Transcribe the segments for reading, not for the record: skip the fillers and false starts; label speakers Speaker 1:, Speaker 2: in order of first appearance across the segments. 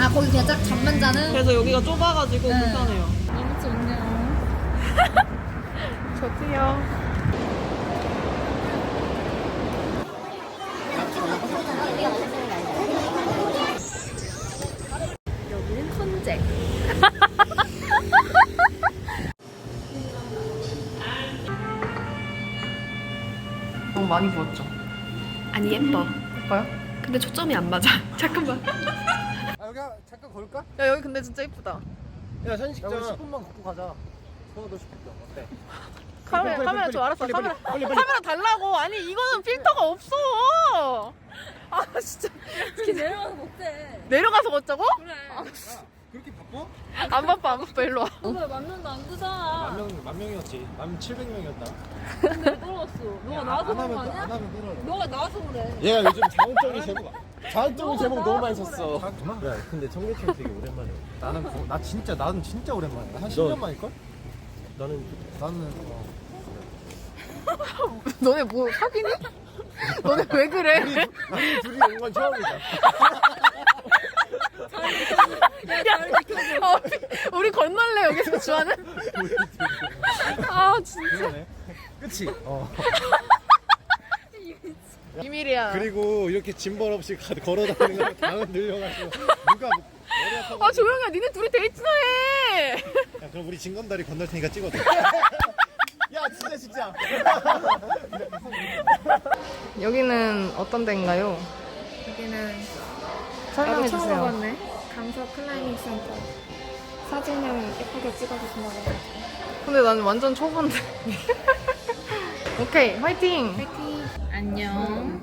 Speaker 1: 아 거기 그냥 딱 잠만 자는?
Speaker 2: 그래서 여기가 좁아가지고
Speaker 1: 네.
Speaker 2: 불편해요.
Speaker 1: 너무 좋네요.
Speaker 2: 좋지요.
Speaker 1: 여기는 헌재.
Speaker 2: 너무 많이 부었죠?
Speaker 3: 아니 예뻐.
Speaker 2: 예뻐요?
Speaker 3: 근데 초점이 안 맞아. 잠깐만.
Speaker 4: 아 여기 잠깐 걸을까?
Speaker 2: 야 여기 근데 진짜 예쁘다.
Speaker 4: 야 현식장 10분만 걷고 가자. 서울도 10분 어때?
Speaker 2: 카메라 좀 알았어.
Speaker 4: 빨리.
Speaker 2: 카메라 달라고. 아니 이거는 필터가 없어. 아 진짜
Speaker 1: 내려가서 못해.
Speaker 2: 내려가서 걷자고?
Speaker 1: 그래.
Speaker 4: 그렇게 바빠?
Speaker 2: 안 바빠 일로 와.
Speaker 1: 오늘 만명도 안 뜨잖아.
Speaker 4: 만 명이었지. 1700명이었나?
Speaker 1: 근데 왜 떨어졌어? 너가 나와서 그런 거
Speaker 4: 안
Speaker 1: 아니야?
Speaker 4: 하면 끊어.
Speaker 1: 너가 나와서 그래.
Speaker 4: 얘가 요즘 자극적인 제목 너무 많이 썼어. 야 근데 청계천 되게 오랜만이야. 나는 진짜 오랜만이야. 한 10년 만일걸? 나는
Speaker 2: 너네 뭐 사귀니? 너네 왜 그래?
Speaker 4: 우리 둘이 온 건 처음이다.
Speaker 2: 우리 건널래 여기서 주하는? 아 진짜
Speaker 4: 그러네. 그치?
Speaker 2: 비밀이야.
Speaker 4: 그리고 이렇게 짐벌 없이 걸어다니는 거 당은 들려가지고 누가 머리 아파서.
Speaker 2: 아 조용히 해. 니네 둘이 데이트나 해.
Speaker 4: 야 그럼 우리 진검다리 건널 테니까 찍어줘. 야 진짜.
Speaker 2: 여기는 어떤 데인가요?
Speaker 1: 여기는
Speaker 2: 설명해
Speaker 1: 처음
Speaker 2: 주세요.
Speaker 1: 와봤네. 강서 클라이밍 센터. 사진을 예쁘게 찍어주신다고 해가지고.
Speaker 2: 근데 나는 완전 초보인데. 오케이 화이팅.
Speaker 1: 파이팅. 안녕.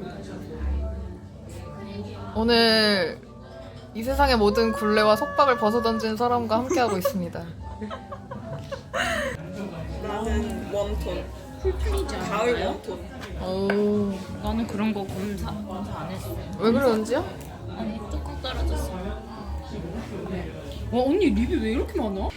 Speaker 2: 오늘 이 세상의 모든 굴레와 속박을 벗어던진 사람과 함께하고 있습니다.
Speaker 5: 나는 웜톤.
Speaker 1: 풀풀이지 않아요?
Speaker 5: 가을 웜톤.
Speaker 2: 오,
Speaker 1: 나는 그런 거 검사 안 했어.
Speaker 2: 왜 그래 은지야?
Speaker 1: 아니 조금 떨어졌어. 와 언니 립이 왜 이렇게 많아?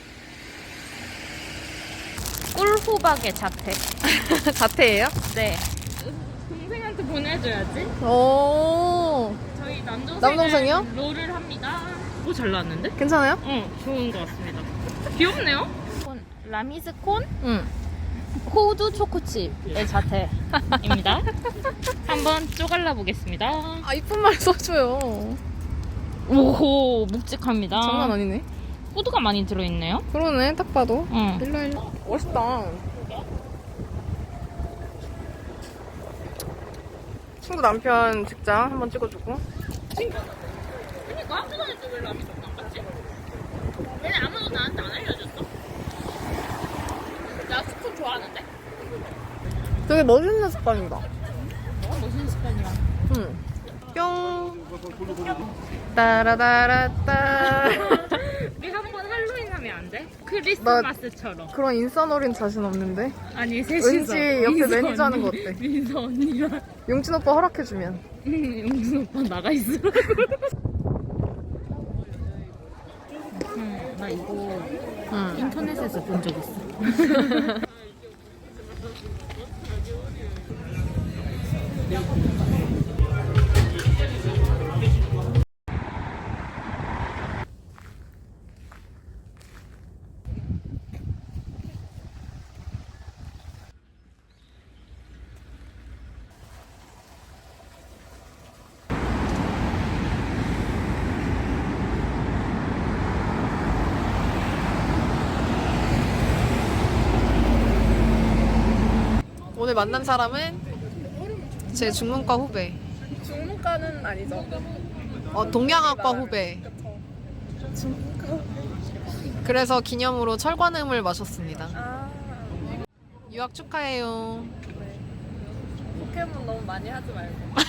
Speaker 1: 꿀호박의 자태.
Speaker 2: 자태예요?
Speaker 1: 네. 동생한테 보내줘야지.
Speaker 2: 오,
Speaker 1: 저희
Speaker 2: 남동생이요?
Speaker 1: 롤을 합니다. 오 잘 나왔는데?
Speaker 2: 괜찮아요?
Speaker 1: 응, 좋은 것 같습니다. 귀엽네요. 라미스콘
Speaker 2: 응.
Speaker 1: 호두 초코칩의 자태입니다. 한번 쪼갈라 보겠습니다.
Speaker 2: 아 이쁜 말 써줘요.
Speaker 1: 오호, 묵직합니다.
Speaker 2: 장난 아니네.
Speaker 1: 호두가 많이 들어있네요.
Speaker 2: 그러네 딱 봐도.
Speaker 1: 응.
Speaker 2: 일로. 멋있다. 친구 남편 직장 한번 찍어주고.
Speaker 1: 그러니까 학교 다닐 때 왜 라미스콘 안 갔지? 왜 아무도 나한테 안 알려줬어? 나 스콘 좋아하는데?
Speaker 2: 되게 멋있는 습관이다.
Speaker 1: 너무 멋있는 습관이야.
Speaker 2: 응. 뿅. 따라다라따.
Speaker 1: 우리 한번 할로윈 하면 안 돼? 크리스마스처럼.
Speaker 2: 그런 인싸놀이는 자신 없는데.
Speaker 1: 아니 셋이서.
Speaker 2: 왠지 옆에
Speaker 1: 민서
Speaker 2: 매니저 하는 거
Speaker 1: 언니,
Speaker 2: 어때?
Speaker 1: 민서 언니랑
Speaker 2: 용진 오빠 허락해주면.
Speaker 1: 용준 오빠 나가 있으라고. 나 이거
Speaker 2: 응.
Speaker 1: 인터넷에서 본 적 있어.
Speaker 2: 오늘 만난 사람은 제 중문과 후배.
Speaker 5: 중문과는 아니죠.
Speaker 2: 동양학과 후배. 그래서 기념으로 철관음을 마셨습니다. 유학 축하해요.
Speaker 5: 포켓몬 너무 많이 하지 말고.